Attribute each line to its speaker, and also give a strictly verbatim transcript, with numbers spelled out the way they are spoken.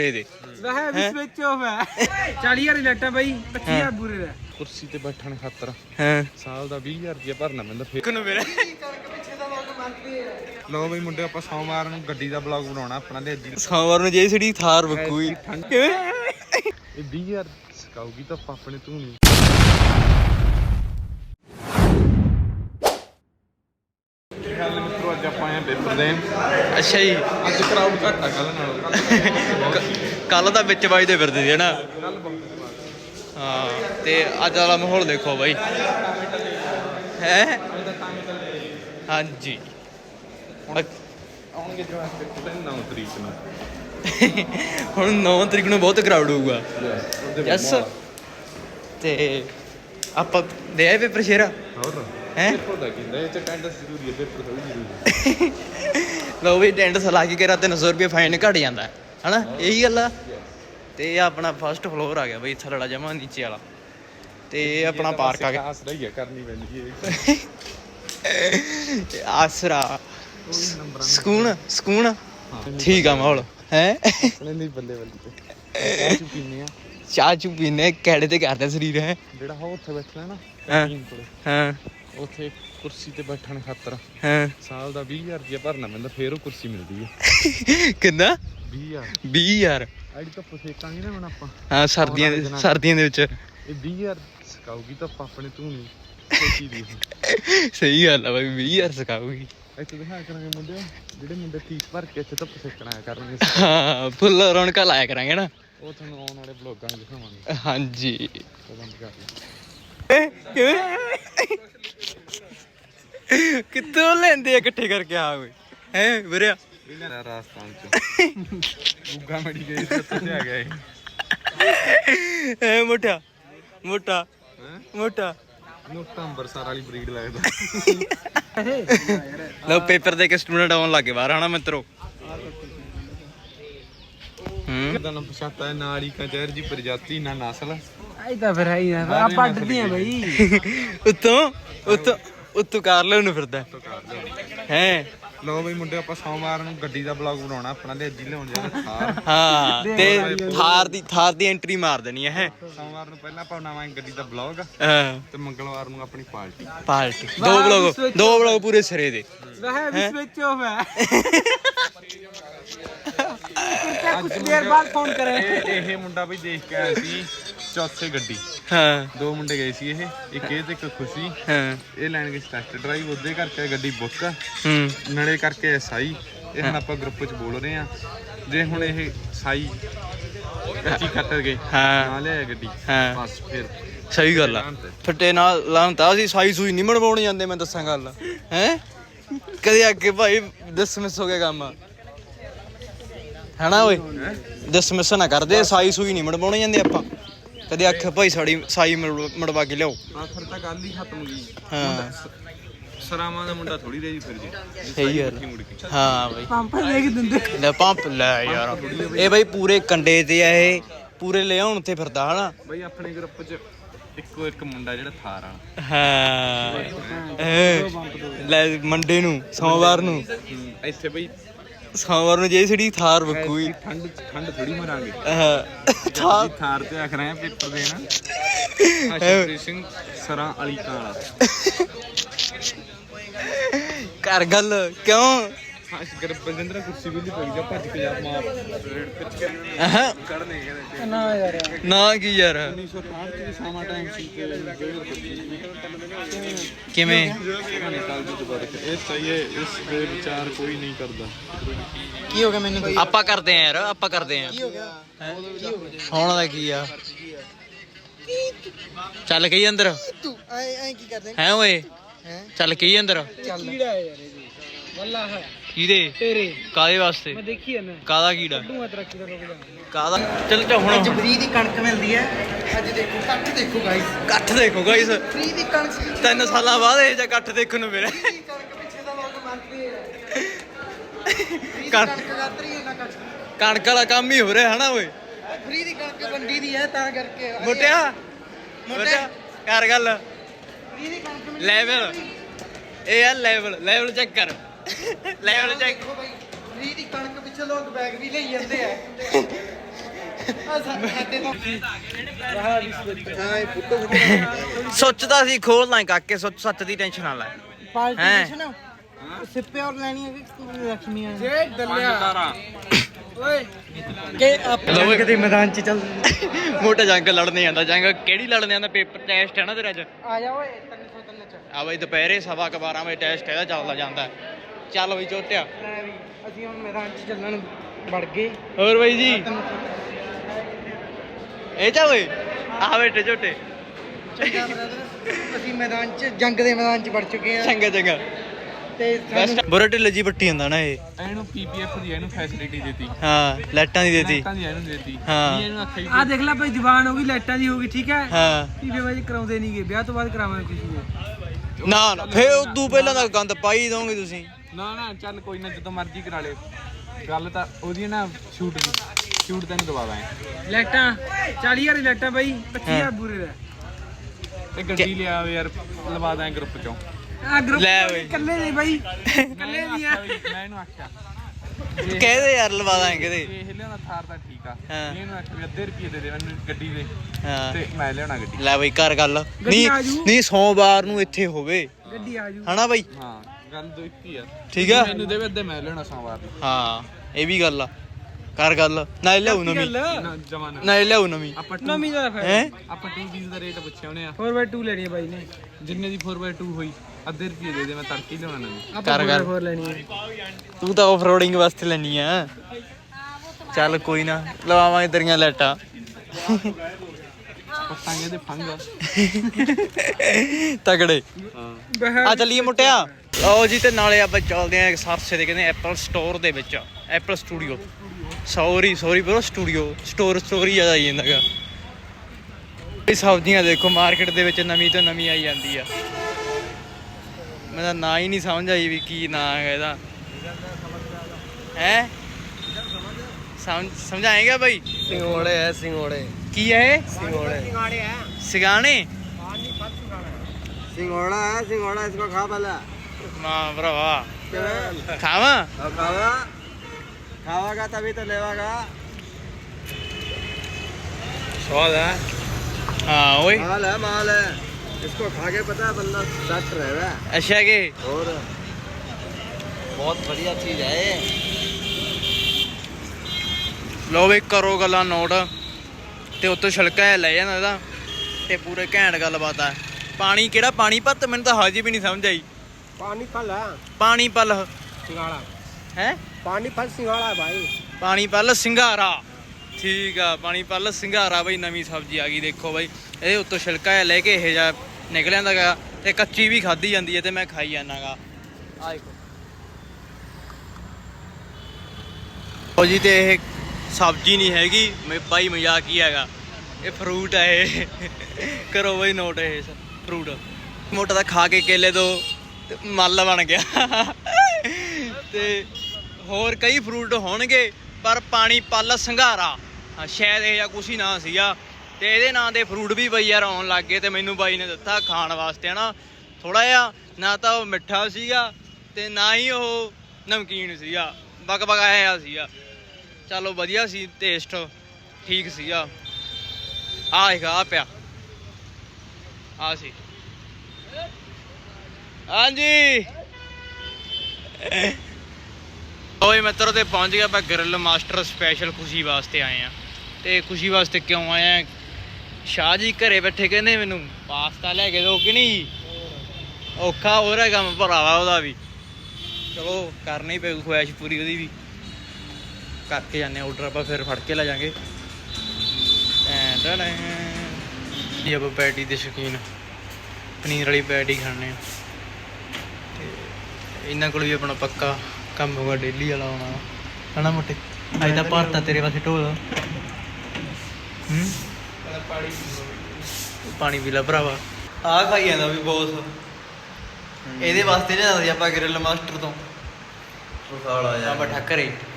Speaker 1: ਦੇ
Speaker 2: ਵਹਿ ਵੀ switch off ਹੈ ਚਾਲੀ ਹਜ਼ਾਰ ਲੈਟਾ ਬਾਈ ਪੱਚੀ ਹਜ਼ਾਰ ਬੂਰੇ ਦਾ
Speaker 3: ਕੁਰਸੀ ਤੇ ਬੈਠਣ ਖਾਤਰ
Speaker 1: ਹਾਂ
Speaker 3: ਸਾਲ ਦਾ ਵੀਹ ਹਜ਼ਾਰ ਰੁਪਇਆ ਭਰਨਾ ਪੈਂਦਾ ਫੇਰ
Speaker 1: ਕਿਨੂੰ ਵੀਰੇ
Speaker 3: ਲਓ ਬਈ ਮੁੰਡੇ ਆਪਾਂ ਸੋਮਵਾਰ ਨੂੰ ਗੱਡੀ ਦਾ ਬਲੌਗ ਬਣਾਉਣਾ ਆਪਣਾ ਤੇ ਅੱਜ
Speaker 1: ਸੋਮਵਾਰ ਨੂੰ ਜੇ ਸਿੜੀ ਥਾਰ ਬਕੂਈ ਕਿਵੇਂ
Speaker 3: ਇਹ ਵੀਹ ਹਜ਼ਾਰ ਸਕਾਊਗੀ ਤਾਂ ਪਾਪਾ ਨੇ ਤੂੰ ਨਹੀਂ ਗੱਲ ਮਿੱਤਰੋ ਅੱਜ ਆਪਾਂ ਆਏ ਪੇਪਰ ਦੇਣ
Speaker 1: ਅੱਛਾ ਜੀ
Speaker 3: ਅੱਜ ਕਰਾਊਡ ਘੱਟ ਆ ਕੱਲ ਨਾਲੋਂ
Speaker 1: ਕੱਲ ਤਾਂ ਵਿੱਚ ਵੱਜਦੇ ਫਿਰਦੇ ਸੀ ਨਾ
Speaker 3: ਕੱਲ ਬਹੁਤ
Speaker 1: ਹਾਂ ਤੇ ਅੱਜ ਵਾਲਾ ਮਾਹੌਲ ਦੇਖੋ ਬਾਈ ਹੈ ਹਾਂਜੀ
Speaker 3: ਆਉਣਗੇ ਜੋ ਪੇਪਰ ਨੌ ਤਰੀਕ ਨੂੰ
Speaker 1: ਹੁਣ ਨੌ ਤਰੀਕ ਨੂੰ ਬਹੁਤ ਕਰਾਊਡ ਹੋਊਗਾ ਯਸ ਤੇ ਆਪਾਂ ਦੇ ਆਏ ਪੇਪਰ ਸ਼ੇਰਾ
Speaker 3: ਹੋਰ
Speaker 1: ਹੈ
Speaker 3: ਪੇਪਰ ਦਾ ਕੀ ਇਹ ਚ ਅਟੈਂਡੈਂਸ ਜ਼ਰੂਰੀ ਹੈ ਪੇਪਰ ਥੋੜੀ ਜ਼ਰੂਰੀ ਹੈ
Speaker 1: ਲਓ ਵੀ ਅਟੈਂਡੈਂਸ ਲਾ ਕੇ ਕਰਾ ਤਿੰਨ ਸੌ ਰੁਪਏ ਫਾਈਨ ਘਟ ਜਾਂਦਾ ਹਨਾ ਇਹੀ ਗੱਲ ਆ ਤੇ ਆਪਣਾ ਫਸਟ ਫਲੋਰ ਆ ਗਿਆ ਬਈ ਥੱਲੜਾ ਜਮਾ ਨੀਚੇ ਵਾਲਾ ਤੇ ਆਪਣਾ ਪਾਰਕ ਆ ਗਿਆ
Speaker 3: ਆਸ ਰਹੀ ਹੈ ਕਰਨੀ ਪੈਂਦੀ ਹੈ
Speaker 1: ਆਸਰਾ ਸਕੂਨ ਸਕੂਨ ਠੀਕ ਆ ਮਾਹੌਲ ਹੈ
Speaker 3: ਆਪਣੇ ਲਈ ਬੱਲੇ ਬੱਲੇ ਚਾਹ ਚੁ ਪੀਨੇ ਆ
Speaker 1: ਚਾਹ ਚੂ ਪੀਨੇ ਕਿਹੜੇ ਤੇ ਕਰਦਾ ਸਰੀਰ ਹੈ
Speaker 3: ਜਿਹੜਾ ਉਹ ਉੱਥੇ ਬੈਠਣਾ ਨਾ
Speaker 1: ਹਾਂ
Speaker 3: ਟੀਮ ਕੋਲੇ
Speaker 1: ਹਾਂ
Speaker 3: ਉੱਥੇ ਕੁਰਸੀ ਤੇ ਬੈਠਣ ਖਾਤਰ
Speaker 1: ਹਾਂ
Speaker 3: ਸਾਲ ਦਾ ਵੀਹ ਹਜ਼ਾਰ ਰੁਪਇਆ ਭਰਨਾ ਪੈਂਦਾ ਫੇਰ ਉਹ ਕੁਰਸੀ ਮਿਲਦੀ ਹੈ
Speaker 1: ਕਿੰਨਾ
Speaker 3: ਵੀਹ ਹਜ਼ਾਰ
Speaker 1: ਵੀਹ ਹਜ਼ਾਰ
Speaker 3: ਆੜੀ ਤਾਂ ਪਸੇਕਾਂਗੇ ਨਾ ਹੁਣ ਆਪਾਂ
Speaker 1: ਹਾਂ ਸਰਦੀਆਂ ਦੇ ਸਰਦੀਆਂ ਦੇ ਵਿੱਚ
Speaker 3: ਇਹ ਵੀਹ ਹਜ਼ਾਰ ਸਕਾਊਗੀ ਤਾਂ ਪਾਪਾ ਨੇ ਤੂੰ ਨਹੀਂ ਸੋਚੀ ਦੀ
Speaker 1: ਸਹੀ ਗੱਲ ਆ ਬਾਈ ਵੀਹ ਹਜ਼ਾਰ ਸਿਖਾਊਗੀ
Speaker 3: ਇੱਥੇ ਦਿਖਾ ਕਰਾਂਗੇ ਮੁੰਡੇ ਜਿਹੜੇ ਮੁੰਡੇ ਫੀਸ ਭਰ ਕੇ ਇੱਥੇ ਤਾਂ ਪਸੇਕਣਾ ਕਰਨਗੇ
Speaker 1: ਹਾਂ ਫੁੱਲ ਰੌਣਕਾਂ ਲਾਇਆ ਕਰਾਂਗੇ ਨਾ
Speaker 3: ਉਹ ਤੁਹਾਨੂੰ ਆਉਣ ਵਾਲੇ ਬਲੌਗਾਂ 'ਚ ਦਿਖਾਵਾਂਗੇ
Speaker 1: ਹਾਂਜੀ
Speaker 3: ਕਦਮ ਕਰ
Speaker 1: ਕਿਵੇਂ ਕਿੱਥੋਂ ਲੈਂਦੇ ਆ ਇਕੱਠੇ ਕਰਕੇ ਆ ਓਏ ਹੈ ਵੀਰਿਆ
Speaker 3: ਇਹਨਾਂ ਰਾਜਸਥਾਨ 'ਚ ਗੁੱਗਾ ਮੜੀ ਗਈ ਤੇ ਉੱਥੇ ਆ ਗਿਆ ਇਹ
Speaker 1: ਐ ਮੋਟਾ ਮੋਟਾ ਮੋਟਾ
Speaker 3: ਨੋਟਾ ਅੰਬਰਸਰ ਵਾਲੀ ਬਰੀਡ ਲੱਗਦਾ
Speaker 1: ਲਓ ਪੇਪਰ ਦੇ ਕੇ ਸਟੂਡੈਂਟ ਆਉਣ ਲੱਗੇ ਬਾਹਰ ਹਨਾ ਮਿੱਤਰੋ ਹੂੰ
Speaker 3: ਇਹਦਾ ਨਾਮ ਪਛਾਤਾ ਹੈ ਨਾਲੀ ਕੰਚਰ ਜੀ ਪ੍ਰਜਾਤੀ ਨਾ ਨਸਲ
Speaker 2: ਆਈ ਤਾਂ ਫਿਰ ਆਈ ਆ ਆਪਾਂ ਅੱਡਦੇ ਆ ਬਈ
Speaker 1: ਉੱਤੋਂ ਉੱਤੋਂ ਉੱਤੋਂ ਕਰ ਲੈ ਉਹਨੂੰ ਫਿਰਦਾ ਹੈ
Speaker 3: ਲਓ ਬਈ ਮੁੰਡੇ ਆਪਾਂ ਸੋਮਵਾਰ ਨੂੰ ਗੱਡੀ ਦਾ ਬਲੌਗ ਬਣਾਉਣਾ ਆਪਣਾ ਤੇ ਅੱਜ ਹੀ ਲਿਆਉਣ ਜਾਣਾ ਥਾਰ
Speaker 1: ਹਾਂ ਤੇ ਥਾਰ ਦੀ ਥਾਰ ਦੀ ਐਂਟਰੀ ਮਾਰ ਦੇਣੀ ਹੈ
Speaker 3: ਸੋਮਵਾਰ ਨੂੰ ਪਹਿਲਾਂ ਆਪਾਂ ਬਣਾਵਾਂਗੇ ਗੱਡੀ ਦਾ ਬਲੌਗ
Speaker 1: ਹਾਂ
Speaker 3: ਤੇ ਮੰਗਲਵਾਰ ਨੂੰ ਆਪਣੀ ਪਾਰਟੀ
Speaker 1: ਪਾਰਟੀ ਦੋ ਬਲੌਗ ਦੋ ਬਲੌਗ ਪੂਰੇ ਸਿਰੇ ਦੇ
Speaker 2: ਵਹਿ ਵੀ ਸਵਿਚ ਆਫ ਹੈ ਕੁਝ ਦੇਰ ਬਾਅਦ ਫੋਨ ਕਰੇ
Speaker 3: ਇਹ ਇਹ ਮੁੰਡਾ ਬਈ ਦੇਖ ਕੇ ਆਇਆ ਸੀ ਚੌਥੇ ਗੱਡੀ
Speaker 1: ਹਾਂ
Speaker 3: ਦੋ ਮੁੰਡੇ ਗਏ ਸੀ ਇਹ ਇੱਕ ਇਹ ਤੇ ਇੱਕ ਖੁਸ਼ੀ
Speaker 1: ਹਾਂ
Speaker 3: ਇਹ ਲੈਣ ਗਏ ਸਟੈਟ ਡਰਾਈਵ ਉਹਦੇ ਕਰਕੇ ਗੱਡੀ ਬੁੱਕ
Speaker 1: ਹੂੰ
Speaker 3: ਨੜੇ ਕਰਕੇ ਸਾਈ ਇਹ ਹੁਣ ਆਪਾਂ ਗਰੁੱਪ 'ਚ ਬੋਲ ਰਹੇ ਆ ਜੇ ਹੁਣ ਇਹ ਸਾਈ ਕੱਚੀ ਕੱਟ ਗਏ
Speaker 1: ਹਾਂ
Speaker 3: ਨਾ ਲਿਆ ਗੱਡੀ
Speaker 1: ਹਾਂ
Speaker 3: ਬਸ ਫਿਰ
Speaker 1: ਸਹੀ ਗੱਲ ਆ ਫੱਟੇ ਨਾਲ ਲਾਉਂਦਾ ਅਸੀਂ ਸਾਈ ਸੂਈ ਨਹੀਂ ਮੜਵਾਉਣ ਜਾਂਦੇ ਮੈਂ ਦੱਸਾਂ ਗੱਲ ਹੈ ਕਦੇ ਅੱਗੇ ਭਾਈ ਡਿਸਮਿਸ ਹੋ ਗਿਆ ਕੰਮ ਹਨਾ ਓਏ ਡਿਸਮਿਸ ਨਾ ਕਰਦੇ ਸਾਈ ਸੂਈ ਨਹੀਂ ਮੜਵਾਉਣ ਜਾਂਦੇ ਆਪਾਂ ਕਦੇ ਆਖ ਭਾਈ ਸਾਡੀ ਸਾਈ ਮੜਵਾ ਕੇ ਲਿਆਓ
Speaker 3: ਆ ਫਿਰ ਤਾਂ ਗੱਲ ਹੀ ਖਤਮ ਗਈ
Speaker 1: ਹਾਂ
Speaker 3: ਸਰਾਵਾਂ ਦਾ ਮੁੰਡਾ ਥੋੜੀ ਰਹੀ ਫਿਰ ਜੀ
Speaker 1: ਸਹੀ ਯਾਰ ਹਾਂ ਬਾਈ
Speaker 2: ਪੰਪ ਲੈ ਕੇ ਦਿੰਦੇ
Speaker 1: ਲੈ ਪੰਪ ਲੈ ਯਾਰ ਇਹ ਬਾਈ ਪੂਰੇ ਕੰਡੇ ਤੇ ਆ ਇਹ ਪੂਰੇ ਲਿਆਉਣ ਉੱਥੇ ਫਿਰਦਾ ਹਨਾ
Speaker 3: ਬਈ ਆਪਣੇ ਗਰੁੱਪ 'ਚ ਇੱਕੋ ਇੱਕ ਮੁੰਡਾ ਜਿਹੜਾ ਥਾਰ ਵਾਲਾ
Speaker 1: ਹਾਂ ਲੈ ਮੰਡੇ ਨੂੰ ਸੋਮਵਾਰ ਨੂੰ
Speaker 3: ਇੱਥੇ ਬਈ
Speaker 1: ਸੋਮਵਾਰ ਨੂੰ ਜੇ ਸਿੜੀ ਥਾਰ ਬਕੂਈ
Speaker 3: ਠੰਡ ਠੰਡ ਥੋੜੀ ਮਰਾਂਗੇ
Speaker 1: ਥਾਰ
Speaker 3: ਥਾਰ ਤੇ ਆਖ ਰਹੇ ਆ ਪੇਪਰ ਦੇਣਾ ਅਸ਼ਰਪ੍ਰੀਤ ਸਿੰਘ ਸਰਾਂ ਅਲੀ ਕਾਲਾ
Speaker 1: ਕਰ ਗੱਲ ਕਿਉਂ
Speaker 3: ਹਾਂ ਗਰ ਬਲਜਿੰਦਰ ਕੁਰਸੀ ਵੀ ਨਹੀਂ ਪਈ ਜਾ ਭੱਜ ਕੇ ਜਾ ਮਾਰ ਰੇਡ ਪਿੱਛ ਕੇ
Speaker 1: ਹਾਂ
Speaker 3: ਕੱਢਨੇ ਕਹਿੰਦੇ
Speaker 2: ਨਾ ਯਾਰ
Speaker 1: ਨਾ ਕੀ ਯਾਰ
Speaker 3: ਉੱਨੀ ਸੌ ਅਠਾਹਠ ਚ ਸਾਮਾ ਟਾਈਮ ਸੀ ਤੇ
Speaker 1: ਕਿਵੇਂ
Speaker 3: ਨਿਕਾਲ ਦੀ ਦੁਬਾਰਾ ਇਹ ਸਹੀ ਹੈ ਇਸ ਦੇ ਵਿਚਾਰ ਕੋਈ ਨਹੀਂ ਕਰਦਾ
Speaker 2: ਕੀ ਹੋ ਗਿਆ ਮੈਨੂੰ
Speaker 1: ਆਪਾਂ ਕਰਦੇ ਆ ਯਾਰ ਆਪਾਂ ਕਰਦੇ ਆ
Speaker 2: ਕੀ ਹੋ ਗਿਆ
Speaker 1: ਹੁਣ ਦਾ ਕੀ ਆ ਚੱਲ ਗਈ ਅੰਦਰ
Speaker 2: ਤੂੰ ਐ ਐ ਕੀ ਕਰਦੇ
Speaker 1: ਹੈ ਓਏ
Speaker 2: ਹੈ
Speaker 1: ਚੱਲ ਗਈ ਅੰਦਰ
Speaker 2: ਚੱਲ ਕੀੜਾ ਹੈ ਯਾਰ ਇਹ ਵੱਲਾ ਹੈ
Speaker 1: ਕਿਹਦੇ
Speaker 2: ਤੇਰੇ
Speaker 1: ਕਾਦੇ ਵਾਸਤੇ
Speaker 2: ਮੈਂ ਦੇਖੀ ਨਾ
Speaker 1: ਕਾਦਾ ਕੀੜਾ
Speaker 2: ਤੂੰ ਤਰੱਕੀ ਦਾ ਰੁਕ ਜਾ
Speaker 1: ਕਾਦਾ ਚੱਲ ਚਾ ਹੁਣ
Speaker 2: ਫਰੀ ਦੀ ਕਣਕ ਮਿਲਦੀ ਹੈ ਅੱਜ ਦੇਖੋ ਕੱਟ ਦੇਖੋ ਗਾਇਸ
Speaker 1: ਇਕੱਠ ਦੇਖੋ ਗਾਇਸ
Speaker 2: ਫਰੀ ਦੀ ਕਣਕ
Speaker 1: ਤਿੰਨ ਸਾਲਾਂ ਬਾਅਦ ਇਹ ਜਿਹਾ ਇਕੱਠ ਦੇਖਣ ਨੂੰ ਮਿਲਿਆ
Speaker 2: ਕਣਕ ਪਿੱਛੇ ਦਾ ਲੋਕ ਮੰਗਦੇ ਆ ਫਰੀ ਦੀ
Speaker 1: ਕਣਕ-
Speaker 2: ਕਣਕ ਕੱਟ ਰਹੀ ਹੈ ਨਾ ਕੱਟ
Speaker 1: ਕਣਕ ਵਾਲਾ ਕੰਮ ਹੀ ਹੋ ਰਿਹਾ ਹਨਾ ਓਏ
Speaker 2: ਫਰੀ ਦੀ ਕਣਕ ਵੰਡੀ ਦੀ ਹੈ ਤਾਂ ਕਰਕੇ
Speaker 1: ਮੋਟਿਆ ਮੋਟਿਆ ਕਰ ਗੱਲ
Speaker 2: ਫਰੀ ਦੀ ਕਣਕ ਮਿਲਦੀ
Speaker 1: ਲੈਵਲ ਇਹ ਆ ਲੈਵਲ ਲੈਵਲ ਚੈੱਕ ਕਰ ਲੈਵਲ ਚੈੱਕ
Speaker 2: ਦੇਖੋ ਬਾਈ ਫਰੀ ਦੀ ਕਣਕ ਪਿੱਛੇ ਲੋਕ ਬੈਗ ਵੀ ਲਈ ਜਾਂਦੇ ਆ
Speaker 1: ਸੋਚਦਾ ਸੀ ਖੋਲਣਾ ਕਾਕੇ ਸੱਚ ਸੱਚ ਦੀ ਟੈਨਸ਼ਨ ਨਾ ਲੈ
Speaker 4: ਪਾਰਟੀ ਨਾ ਸਿੱਪੇ ਔਰ ਲੈਣੀ ਹੈ ਕਿ ਰੱਖਣੀ ਹੈ
Speaker 2: ਜੇ ਦੱਲਿਆ ਓਏ
Speaker 4: ਕਿ ਆਪਾਂ ਕਿਤੇ ਮੈਦਾਨ 'ਚ ਚੱਲ
Speaker 1: ਮੋਟਾ ਜੰਗ ਲੜਨੇ ਆਂਦਾ ਜੰਗ ਕਿਹੜੀ ਲੜਨੇ ਆਂਦਾ ਪੇਪਰ ਟੈਸਟ ਹੈ ਨਾ ਤੇਰਾ ਅੱਜ
Speaker 4: ਆ ਜਾ ਓਏ ਤਿੰਨ ਸੌ ਤਿੰਨ ਚ
Speaker 1: ਆ ਬਈ ਦੁਪਹਿਰੇ ਸਵਾ ਕੁ ਬਾਰਾਂ ਵਜੇ ਟੈਸਟ ਇਹਦਾ ਚੱਲਦਾ ਜਾਂਦਾ ਚੱਲ ਬਈ ਝੋਟਿਆ
Speaker 4: ਲੈ ਵੀ ਅਸੀਂ ਹੁਣ ਮੈਦਾਨ 'ਚ ਚੱਲਣ ਵੜ ਗਏ
Speaker 1: ਹੋਰ ਬਈ ਜੀ ਇਹ ਚਾ ਓਏ ਆ ਬੈਠੇ ਝੋਟੇ
Speaker 4: ਚੰਗਾ ਬ੍ਰਦਰ ਅਸੀਂ ਮੈਦਾਨ 'ਚ ਜੰਗ ਦੇ ਮੈਦਾਨ 'ਚ ਵੜ ਚੁੱਕੇ ਆ
Speaker 1: ਚੰਗਾ ਚੰਗਾ
Speaker 4: ਤੇ
Speaker 1: ਬੈਸਟ ਬੁਰਾ ਢਿੱਲ ਜੀ ਬੱਟੀ ਹੁੰਦਾ ਨਾ ਇਹ
Speaker 3: ਇਹਨੂੰ ਪੀਪੀਐਫ ਦੀ ਇਹਨੂੰ ਫੈਸਿਲਿਟੀ ਦਿੱਤੀ
Speaker 1: ਹਾਂ ਲਾਈਟਾਂ ਦੀ ਦੇਤੀ
Speaker 3: ਲਾਈਟਾਂ ਦੀ ਇਹਨੂੰ ਦਿੱਤੀ
Speaker 1: ਹਾਂ।
Speaker 3: ਵੀ ਇਹਨੂੰ ਆਖਿਆ
Speaker 2: ਆ ਦੇਖ ਲੈ ਭਾਈ ਜਵਾਨ ਹੋ ਗਈ ਲਾਈਟਾਂ ਦੀ ਹੋ ਗਈ ਠੀਕ ਹੈ
Speaker 1: ਹਾਂ
Speaker 2: ਪੀਵੇ ਭਾਈ ਕਰਾਉਂਦੇ ਨਹੀਂਗੇ ਵਿਆਹ ਤੋਂ ਬਾਅਦ ਕਰਾਵਾਂਗੇ ਕਿਸੇ ਨੂੰ
Speaker 1: ਨਾ ਨਾ ਫੇਰ ਉਦੋਂ ਪਹਿਲਾਂ ਤਾਂ ਗੰਦ ਪਾਈ ਦੋਗੇ ਤੁਸੀਂ
Speaker 3: ਨਾ ਨਾ ਚੱਲ ਕੋਈ ਨਾ ਜਦੋਂ ਮਰਜ਼ੀ ਕਰਾ ਲੈ ਗੱਲ ਤਾਂ ਉਹਦੀ ਨਾ ਸ਼ੂਟ ਸ਼ੂਟ ਤੈਨੂੰ ਦਵਾ ਦਾਂਗੇ
Speaker 2: ਲਾਈਟਾਂ ਚਾਲੀ ਹਜ਼ਾਰ ਦੀ ਲਾਈਟਾਂ ਭਾਈ ਪੱਚੀ ਹਜ਼ਾਰ ਬੂਰੇ ਦਾ
Speaker 3: ਤੇ ਗੱਡੀ ਲਿਆ ਵੇ ਯਾਰ ਲਵਾ ਦਾਂਗੇ ਗਰੁੱਪ ਚੋਂ
Speaker 2: ਆ ਗਰੁੱਪ
Speaker 1: ਲੈ ਬਈ।
Speaker 2: ਇਕੱਲੇ ਨਹੀਂ ਭਾਈ ਇਕੱਲੇ ਨਹੀਂ ਆ
Speaker 3: ਮੈਂ ਇਹਨੂੰ ਆਖਿਆ
Speaker 1: ਕਹਦੇ ਯਾਰ ਲਵਾ ਦਾਂਗੇ ਕਿਤੇ
Speaker 3: ਇਹ ਲਿਆਉਣਾ ਥਾਰ ਤਾਂ ਠੀਕ ਆ
Speaker 1: ਹਾਂ।
Speaker 3: ਇਹਨੂੰ ਆਖਿਆ ਵੀ ਅੱਧੇ ਰੁਪਏ ਦੇ ਦੇ ਮੈਨੂੰ ਗੱਡੀ ਦੇ
Speaker 1: ਹਾਂ
Speaker 3: ਤੇ ਮੈਂ ਲਿਆਉਣਾ ਗੱਡੀ
Speaker 1: ਲੈ ਬਈ ਕਰ ਗੱਲ ਨਹੀਂ
Speaker 2: ਆ ਜੂ।
Speaker 1: ਨਹੀਂ ਸੋਮਵਾਰ ਨੂੰ ਇੱਥੇ ਹੋਵੇ
Speaker 2: ਗੱਡੀ ਆ ਜੂ
Speaker 1: ਹਨਾ ਬਈ
Speaker 3: ਹਾਂ ਗੱਲ ਦੋ ਇੱਕ ਹੀ ਆ
Speaker 1: ਠੀਕ ਆ
Speaker 3: ਮੈਨੂੰ ਦੇਵੇ ਅੱਧੇ ਮੈਂ ਲਿਆਉਣਾ ਸੋਮਵਾਰ ਨੂੰ
Speaker 1: ਹਾਂ ਇਹ ਵੀ ਗੱਲ ਆ ਕਰ ਗੱਲ ਨਾ ਲਿਆਉ ਨਵੀਂ
Speaker 3: ਨਾ ਜਮਾਨਾ
Speaker 1: ਨਾ ਲਿਆਉ ਨਵੀਂ
Speaker 3: ਆਪਾਂ two-
Speaker 2: ਨਵੀਂ ਦਾ ਫਿਰ
Speaker 1: ਹੈ
Speaker 3: ਆਪਾਂ ਟੂ ਵੀਲ ਦਾ ਰੇਟ ਪੁੱਛਿਆ ਉਹਨੇ ਆ
Speaker 2: ਫੋਰ ਬਾਈ ਟੂ ਲੈਣੀ ਹੈ ਬਾਈ ਨੇ
Speaker 3: ਜਿੰਨੇ ਦੀ ਫੋਰ ਬਾਈ ਟੂ ਹੋਈ ਅੱਧੇ ਰੁਪਏ ਦੇ ਦੇ ਮੈਂ ਤੜਕੇ ਹੀ ਲਿਆਉਣਾ ਨਵੀਂ
Speaker 2: ਆਪਾਂ
Speaker 1: ਕਰ ਕਰ
Speaker 2: ਫੋਰ ਲੈਣੀ ਹੈ
Speaker 1: ਤੂੰ ਤਾਂ ਆਫ ਰੋਡਿੰਗ ਵਾਸਤੇ ਲੈਣੀ ਆ ਚੱਲ ਕੋਈ ਨਾ ਲਵਾਵਾਂਗੇ ਤੇਰੀਆਂ ਲਾਈਟਾਂ
Speaker 3: ਪੱਟਾਂਗੇ ਦੇ ਫੰਗ
Speaker 1: ਤਗੜੇ
Speaker 3: ਹਾਂ
Speaker 1: ਆ ਚੱਲੀਏ ਮੁੱਟਿਆ ਆਓ ਜੀ ਤੇ ਨਾਲੇ ਆਪਾਂ ਚੱਲਦੇ ਆਂ ਸਰਸੇ ਦੇ ਕਹਿੰਦੇ ਐਪਲ ਸਟੋਰ ਦੇ ਵਿੱਚ Apple studio sorry sorry bro studio store story ਜ਼ਿਆਦਾ ਆਈ ਜਾਂਦਾਗਾ ਇਹ ਸਬਜ਼ੀਆਂ ਦੇਖੋ ਮਾਰਕੀਟ ਦੇ ਵਿੱਚ ਨਵੀਂ ਤੋਂ ਨਵੀਂ ਆਈ ਜਾਂਦੀ ਆ ਮੈਨੂੰ ਨਾਂ ਹੀ ਨਹੀਂ ਸਮਝ ਆਈ ਵੀ ਕੀ ਨਾਂ ਹੈਗਾ ਇਹਦਾ ਹੈ ਸਮਝ ਸਮਝਾਏਗਾ ਬਾਈ
Speaker 4: ਸਿੰਗੋੜੇ ਹੈ ਸਿੰਗੋੜੇ
Speaker 1: ਕੀ ਹੈ ਇਹ
Speaker 4: ਸਿੰगोड़े
Speaker 1: ਸਿਗਾਣੇ
Speaker 4: सिंगोड़ा है सिंगोड़ा इसको खा पहले
Speaker 1: ਮਾਂ ਭਰਾਵਾ ਖਾਵਾਂ
Speaker 4: खावा खावागा तभी तो लेवागा
Speaker 3: ਸਵਾਦ ਆ
Speaker 1: ਹਾਂ ਓਏ
Speaker 4: माल है माल है इसको खा के पता है बंदा सेट रहेगा
Speaker 1: ਅੱਛਾ ਕਿ
Speaker 4: और बहुत बढ़िया चीज है ये
Speaker 1: ਲੋ ਵੀ ਕਰੋ ਗੱਲਾਂ ਨੋਟ ਤੇ ਉੱਤੋਂ ਛਿਲਕਾ ਜਿਹਾ ਲੈ ਜਾਂਦਾ ਇਹਦਾ ਤੇ ਪੂਰੇ ਘੈਂਟ ਗੱਲਬਾਤ ਆ ਪਾਣੀ ਕਿਹੜਾ ਪਾਣੀ ਪੱਤ ਮੈਨੂੰ ਤਾਂ ਹਾਜੀ ਵੀ ਨਹੀਂ ਸਮਝ ਆਈ
Speaker 4: पानी फल है
Speaker 1: ਪਾਣੀ ਪਲ
Speaker 4: सिंगाड़ा
Speaker 1: ਹੈ
Speaker 4: पानी फल सिंगाड़ा है भाई
Speaker 1: ਪਾਣੀ ਪਲ ਸਿੰਗਾਰਾ ਠੀਕ ਆ ਪਾਣੀ ਪਲ ਸਿੰਗਾਰਾ ਬਈ ਨਵੀਂ ਸਬਜ਼ੀ ਆ ਗਈ ਦੇਖੋ ਬਈ ਇਹਦੇ ਉੱਤੋਂ ਛਿਲਕਾ ਜਿਹਾ ਲੈ ਕੇ ਇਹ ਜਾ ਨਿਕਲ ਜਾਂਦਾਗਾ ਤੇ ਕੱਚੀ ਵੀ ਖਾਧੀ ਜਾਂਦੀ ਹੈ ਤੇ ਮੈਂ ਖਾਈ ਜਾਂਦਾਗਾ ਆ ਦੇਖੋ ਉਹ ਜੀ ਤੇ ਇਹ ਸਬਜ਼ੀ ਨਹੀਂ ਹੈਗੀ ਮੈਂ ਬਾਈ ਮਜ਼ਾਕ ਹੀ ਹੈਗਾ ਇਹ ਫਰੂਟ ਹੈ ਇਹ ਕਰੋ ਬਈ ਨੋਟ ਇਹ ਫਰੂਟ ਮੋਟਾ ਤਾਂ ਖਾ ਕੇ ਕੇਲੇ ਤੋਂ ਤੇ ਮੱਲ ਬਣ ਗਿਆ ਤੇ ਹੋਰ ਕਈ ਫਰੂਟ ਹੋਣਗੇ ਪਰ ਪਾਣੀ ਪਲ ਸੰਘਾਰਾ ਹਾਂ ਸ਼ਾਇਦ ਇਹ ਜਾਂ ਕੁਛ ਹੀ ਨਾਂ ਸੀਗਾ ਤੇ ਇਹਦੇ ਨਾਂ ਦੇ ਫਰੂਟ ਵੀ ਬਈ ਯਾਰ ਆਉਣ ਲੱਗ ਗਏ ਤੇ ਮੈਨੂੰ ਬਾਈ ਨੇ ਦਿੱਤਾ ਖਾਣ ਵਾਸਤੇ ਹਨਾ ਥੋੜਾ ਜਿਹਾ ਨਾ ਤਾਂ ਉਹ ਮਿੱਠਾ ਸੀਗਾ ਤੇ ਨਾ ਹੀ ਉਹ ਨਮਕੀਨ ਸੀਗਾ ਬਕ ਬਕ ਆਇਆ ਸੀਗਾ ਚਲੋ ਵਧੀਆ ਸੀ ਟੇਸਟ ਠੀਕ ਸੀਗਾ ਆ ਹੈਗਾ ਆ ਪਿਆ ਆ ਸੀ ਹਾਂਜੀ ਓਏ ਮਿੱਤਰੋ ਤੇ ਪਹੁੰਚ ਗਿਆ ਆਪਾਂ ਗ੍ਰਿਲ ਮਾਸਟਰ ਸਪੈਸ਼ਲ ਖੁਸ਼ੀ ਵਾਸਤੇ ਆਏ ਆ ਤੇ ਖੁਸ਼ੀ ਵਾਸਤੇ ਕਿਉਂ ਆਏ ਆ ਸ਼ਾਹ ਜੀ ਘਰੇ ਬੈਠੇ ਕਹਿੰਦੇ ਮੈਨੂੰ ਪਾਸਤਾ ਲੈ ਕੇ ਦਿਓ ਕਿ ਨਹੀਂ ਔਖਾ ਹੋ ਰਿਹਾ ਕੰਮ ਭਰਾਵਾ ਉਹਦਾ ਵੀ ਚਲੋ ਕਰਨੀ ਪਊ ਖੁਆਇਸ਼ ਪੂਰੀ ਉਹਦੀ ਵੀ ਕਰਕੇ ਜਾਂਦੇ ਆਰਡਰ ਆਪਾਂ ਫਿਰ ਫੜ ਕੇ ਲੈ ਜਾਾਂਗੇ ਜੀ ਆਪਾਂ ਪੈਟੀ ਦੇ ਸ਼ੌਕੀਨ ਪਨੀਰ ਵਾਲੀ ਪੈਟੀ ਖਾਣੇ ਆ ਤੇ ਇਹਨਾਂ ਕੋਲ ਵੀ ਆਪਣਾ ਪੱਕਾ ਕੰਮ ਹੋਗਾ ਡੇਲੀ ਵਾਲਾ ਆਉਣਾ ਹਨਾ ਮੋਟੇ ਅੱਜ ਤਾਂ ਭਰਤਾ ਤੇਰੇ ਪਾਸੇ ਢੋਲ ਹੂੰ ਪਾਣੀ ਪੀ ਲੈ ਭਰਾਵਾ ਆਹ ਖਾਈ ਜਾਂਦਾ ਵੀ ਬੋਸ ਇਹਦੇ ਵਾਸਤੇ ਲਿਆਂਦਾ ਸੀ ਆਪਾਂ ਗ੍ਰਿਲ ਮਾਸਟਰ ਤੋਂ
Speaker 4: ਖਾਲਾ
Speaker 1: ਆਪਾਂ ਠੱਕਰੇ